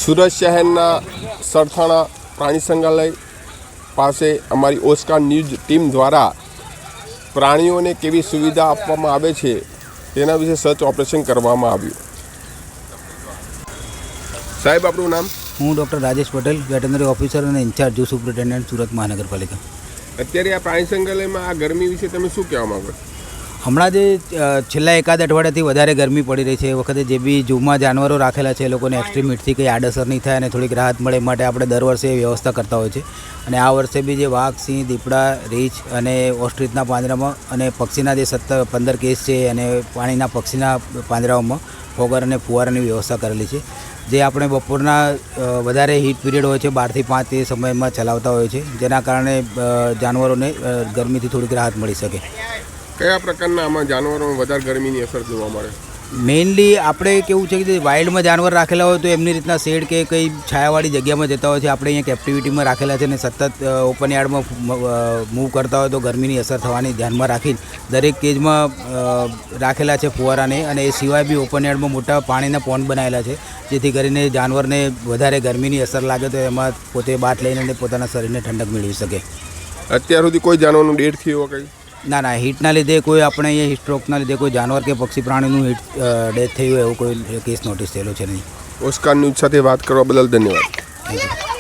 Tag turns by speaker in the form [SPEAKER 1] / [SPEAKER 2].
[SPEAKER 1] સુરત શહેરના સરથાણા પ્રાણી સંગ્રહાલય પાસે અમારી ઓસ્કાર ન્યૂઝ ટીમ દ્વારા પ્રાણીઓને કેવી સુવિધા આપવામાં આવે છે તેના વિશે સર્ચ ઓપરેશન કરવામાં આવ્યું. સાહેબ, આપણું નામ?
[SPEAKER 2] હું doctor Rajesh Patel, veterinary officer અને incharge zoo superintendent, Surat Mahanagarpalika.
[SPEAKER 1] અત્યારે આ પ્રાણી સંગ્રહાલયમાં આ ગરમી વિશે તમે શું કહેવા માગો?
[SPEAKER 2] હમણાં જે છેલ્લા એકાદ અઠવાડિયાથી વધારે ગરમી પડી રહી છે, એ વખતે જે બી ઝૂમાં જાનવરો રાખેલા છે એ લોકોને એક્સ્ટ્રીમ હીટથી કંઈ આડઅસર નહીં થાય અને થોડીક રાહત મળે એ માટે આપણે દર વર્ષે એ વ્યવસ્થા કરતા હોય છે. અને આ વર્ષે બી જે વાઘ, સિંહ, દીપડા, રીંછ અને ઓસ્ટ્રીચના પાંજરામાં અને પક્ષીના જે 15 કેસ છે અને પાણીના પક્ષીના પાંજરાઓમાં ફોગર અને ફુવારાની વ્યવસ્થા કરેલી છે, જે આપણે બપોરના વધારે હીટ પીરિયડ હોય છે 12 થી 5 એ સમયમાં ચલાવતા હોય છે, જેના કારણે જાનવરોને ગરમીથી થોડીક રાહત મળી શકે.
[SPEAKER 1] કયા પ્રકારના આમાં જાનવરોમાં વધારે ગરમીની અસર જોવા મળે?
[SPEAKER 2] મેઇનલી આપણે કેવું છે કે વાઇલ્ડમાં જાનવર રાખેલા હોય તો એમની રીતના શેડ કે કંઈ છાયાવાળી જગ્યામાં જતા હોય છે. આપણે અહીંયા કેપ્ટિવિટીમાં રાખેલા છે અને સતત ઓપન યાર્ડમાં મૂવ કરતા હોય તો ગરમીની અસર થવાની ધ્યાનમાં રાખીને દરેક કેજમાં રાખેલા છે ફુવારાને. અને એ સિવાય બી ઓપન યાર્ડમાં મોટા પાણીના પોન્ડ બનાવેલા છે, જેથી કરીને જાનવરને વધારે ગરમીની અસર લાગે તો એમાં પોતે બાથ લઈને પોતાના શરીરને ઠંડક મેળવી શકે.
[SPEAKER 1] અત્યાર સુધી કોઈ જાનવરનું ડેથ થયું કંઈ?
[SPEAKER 2] ના, હીટના લીધે કોઈ આપણે અહીંયા સ્ટ્રોકના લીધે કોઈ જાનવર કે પક્ષી પ્રાણીનું ડેથ થયું એવું કોઈ કેસ નોટિસ થયેલો છે નહીં.
[SPEAKER 1] ઓસ્કાર ન્યૂઝ સાથે વાત કરવા બદલ ધન્યવાદ.
[SPEAKER 2] Thank you.